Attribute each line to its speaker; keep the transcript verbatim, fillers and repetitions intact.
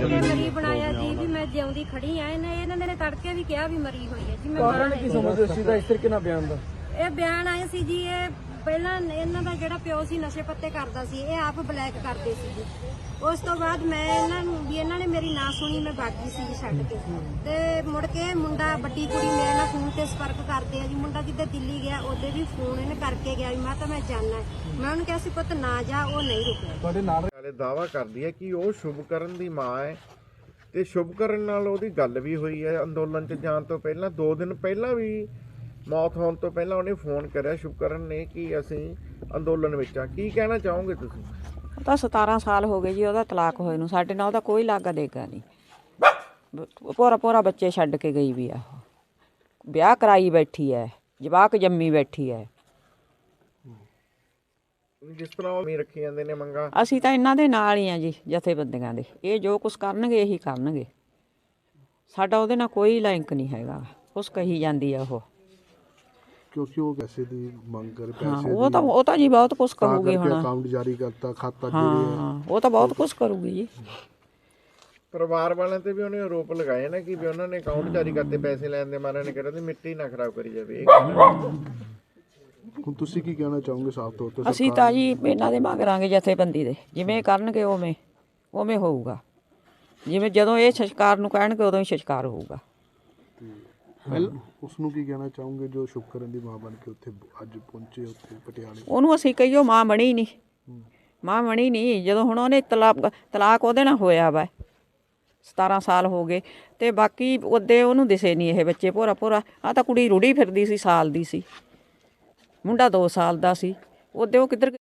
Speaker 1: ਮਰੀ ਬਣਾਇਆ ਜੀ ਵੀ ਮੈਂ ਜਿਉਂਦੀ ਖੜੀ ਆ। ਇਹਨੇ ਇਹਨਾਂ ਨੇ ਤੜਕੇ ਵੀ ਕਿਹਾ ਵੀ ਮਰੀ ਹੋਈ ਹੈ ਜੀ। ਮੈਂ
Speaker 2: ਕਾਰਨ ਕੀ ਸਮਝਦੇ ਸੀ ਦਾ ਇਸ ਤਰੀਕੇ ਨਾਲ ਬਿਆਨ ਦਾ?
Speaker 1: ਇਹ ਬਿਆਨ ਆਏ ਸੀ ਜੀ, ਇਹ ਪਹਿਲਾਂ ਇਹਨਾਂ ਦਾ ਜਿਹੜਾ ਪਿਓ ਸੀ ਨਸ਼ੇ ਪੱਤੇ ਕਰਦਾ ਸੀ, ਇਹ ਆਪ ਬਲੈਕ ਕਰਦੇ ਸੀ ਜੀ। ਉਸ ਤੋਂ ਬਾਅਦ ਮੈਂ ਇਹਨਾਂ ਨੂੰ ਵੀ ਇਹਨਾਂ ਨੇ ਮੇਰੀ ਨਾ ਸੁਣੀ, ਮੈਂ ਬਾਗੀ ਸੀ ਜੀ ਛੱਡ ਕੇ। ਤੇ ਮੁੜ ਕੇ ਮੁੰਡਾ ਵੱਡੀ ਕੁੜੀ ਮੇਰੇ ਨਾਲ ਫੋਨ ਤੇ ਸੰਪਰਕ ਕਰਦੇ ਆ ਜੀ। ਮੁੰਡਾ ਜਿੱਦੇ ਦਿੱਲੀ ਗਿਆ ਉਹਦੇ ਵੀ ਫੋਨ ਇਹਨੇ ਕਰਕੇ ਗਿਆ ਵੀ ਮੈਂ ਤਾਂ ਮੈਂ ਜਾਣਾ। ਮੈਂ ਉਹਨੂੰ ਕਿਹਾ ਸੀ ਪੁੱਤ ਨਾ ਜਾ, ਉਹ ਨਹੀਂ ਰੁਕਿਆ।
Speaker 3: ਤੁਹਾਡੇ ਨਾਲ ਵਾਲੇ ਦਾਅਵਾ ਕਰਦੀ ਹੈ ਕਿ ਉਹ ਸ਼ੁਭਕਰਨ ਦੀ ਮਾਂ ਹੈ ਤੇ ਸ਼ੁਭਕਰਨ ਨਾਲ ਉਹਦੀ ਗੱਲ ਵੀ ਹੋਈ ਹੈ ਅੰਦੋਲਨ 'ਚ ਜਾਣ ਤੋਂ ਪਹਿਲਾਂ। ਦੋ ਦਿਨ ਪਹਿਲਾਂ ਵੀ ਮੌਤ ਹੋਣ ਤੋਂ ਪਹਿਲਾਂ ਉਹਨੇ ਫੋਨ ਕਰਿਆ ਸ਼ੁਭਕਰਨ ਨੇ ਕਿ ਅਸੀਂ ਅੰਦੋਲਨ ਵਿੱਚ ਆ। ਕੀ ਕਹਿਣਾ ਚਾਹੋਗੇ ਤੁਸੀਂ?
Speaker 4: ਉਹ ਤਾਂ ਸਤਾਰਾਂ ਸਾਲ ਹੋ ਗਏ ਜੀ ਉਹਦਾ ਤਲਾਕ ਹੋਏ ਨੂੰ। ਸਾਡੇ ਨਾਲ ਉਹਦਾ ਕੋਈ ਲਾਗਾ ਦੇਗਾ ਨਹੀਂ। ਪੂਰਾ ਪੂਰਾ ਬੱਚੇ ਛੱਡ ਕੇ ਗਈ ਵੀ ਆ। ਵਿਆਹ ਕਰਾਈ ਬੈਠੀ ਹੈ, ਜਵਾਕ ਜੰਮੀ ਬੈਠੀ ਹੈ।
Speaker 3: ਜਿਸ ਤਰ੍ਹਾਂ ਉਹ ਰੱਖੀ ਜਾਂਦੇ ਨੇ ਮੰਗਾ,
Speaker 4: ਅਸੀਂ ਤਾਂ ਇਹਨਾਂ ਦੇ ਨਾਲ ਹੀ ਆ ਜੀ, ਜਥੇਬੰਦੀਆਂ ਦੇ। ਇਹ ਜੋ ਕੁਛ ਕਰਨਗੇ ਇਹੀ ਕਰਨਗੇ। ਸਾਡਾ ਉਹਦੇ ਨਾਲ ਕੋਈ ਲਿੰਕ ਨਹੀਂ ਹੈਗਾ। ਕੁਛ ਕਹੀ ਜਾਂਦੀ ਆ ਉਹ,
Speaker 5: ਕਿਉਂਕਿ ਉਹ ਪੈਸੇ ਦੀ ਮੰਗ ਕਰ
Speaker 4: ਹਾਂ
Speaker 5: ਪੈਸੇ
Speaker 4: ਉਹ ਤਾਂ ਉਹ ਤਾਂ ਜੀ ਬਹੁਤ ਕੁਛ ਕਰੂਗੀ ਹੁਣ।
Speaker 5: ਅਕਾਊਂਟ ਜਾਰੀ ਕਰਤਾ, ਖਾਤਾ
Speaker 4: ਹਾਂ ਉਹ ਤਾਂ ਬਹੁਤ ਕੁਛ ਕਰੂਗੀ ਜੀ।
Speaker 3: ਪਰਿਵਾਰ ਵਾਲਿਆਂ ਤੇ ਵੀ ਉਹਨੇ ਆਰੋਪ ਲਗਾਏ ਨਾ ਕਿ ਵੀ ਉਹਨਾਂ ਨੇ ਅਕਾਊਂਟ ਜਾਰੀ ਕਰਤੇ ਪੈਸੇ ਲੈਣ ਦੇ ਮਾਰੇ ਨੇ। ਕਹਿੰਦੇ ਦੀ ਮਿੱਟੀ ਨਾ ਖਰਾਬ ਕਰੀ ਜਾਵੇ।
Speaker 5: ਹੁਣ ਤੁਸੀਂ ਕੀ ਕਹਿਣਾ ਚਾਹੋਗੇ ਸਾਫ਼ ਤੌਰ ਤੇ?
Speaker 4: ਅਸੀਂ ਤਾਂ ਜੀ ਇਹਨਾਂ ਦੇ ਮੰਗਾਂਗੇ ਜਥੇਬੰਦੀ ਦੇ, ਜਿਵੇਂ ਕਰਨਗੇ ਉਵੇਂ ਉਵੇਂ ਹੋਊਗਾ। ਜਿਵੇਂ ਜਦੋਂ ਇਹ ਸੰਸਕਾਰ ਨੂੰ ਕਹਿਣਗੇ ਉਦੋਂ ਹੀ ਸੰਸਕਾਰ ਹੋਊਗਾ।
Speaker 5: ਉਸ ਨੂੰ ਕੀ ਕਹਿਣਾ ਚਾਹੋਗੇ ਜੋ ਸ਼ੁਭਕਰਨ ਦੀ ਮਾਂ ਬਣ ਕੇ ਉੱਥੇ ਅੱਜ ਪਹੁੰਚੇ ਉੱਥੇ ਪਟਿਆਲੇ?
Speaker 4: ਉਹਨੂੰ ਅਸੀਂ ਕਹੀਓ ਮਾਂ ਬਣੀ ਨਹੀਂ, ਮਾਂ ਬਣੀ ਨਹੀਂ। ਜਦੋਂ ਹੁਣ ਉਹਨੇ ਤਲਾਕ ਤਲਾਕ ਉਹਦੇ ਨਾਲ ਹੋਇਆ ਵਾ, ਸਤਾਰਾਂ ਸਾਲ ਹੋ ਗਏ ਤੇ ਬਾਕੀ ਉਹਦੇ ਉਹਨੂੰ ਦਿਸੇ ਨਹੀਂ ਇਹ ਬੱਚੇ। ਭੋਰਾ ਭੋਰਾ ਆ ਤਾਂ ਕੁੜੀ ਰੁੜੀ ਫਿਰਦੀ ਸੀ, ਸਾਲ ਦੀ ਸੀ। ਮੁੰਡਾ ਦੋ ਸਾਲ ਦਾ ਸੀ। ਉਹਦੇ ਉਹ ਕਿੱਧਰ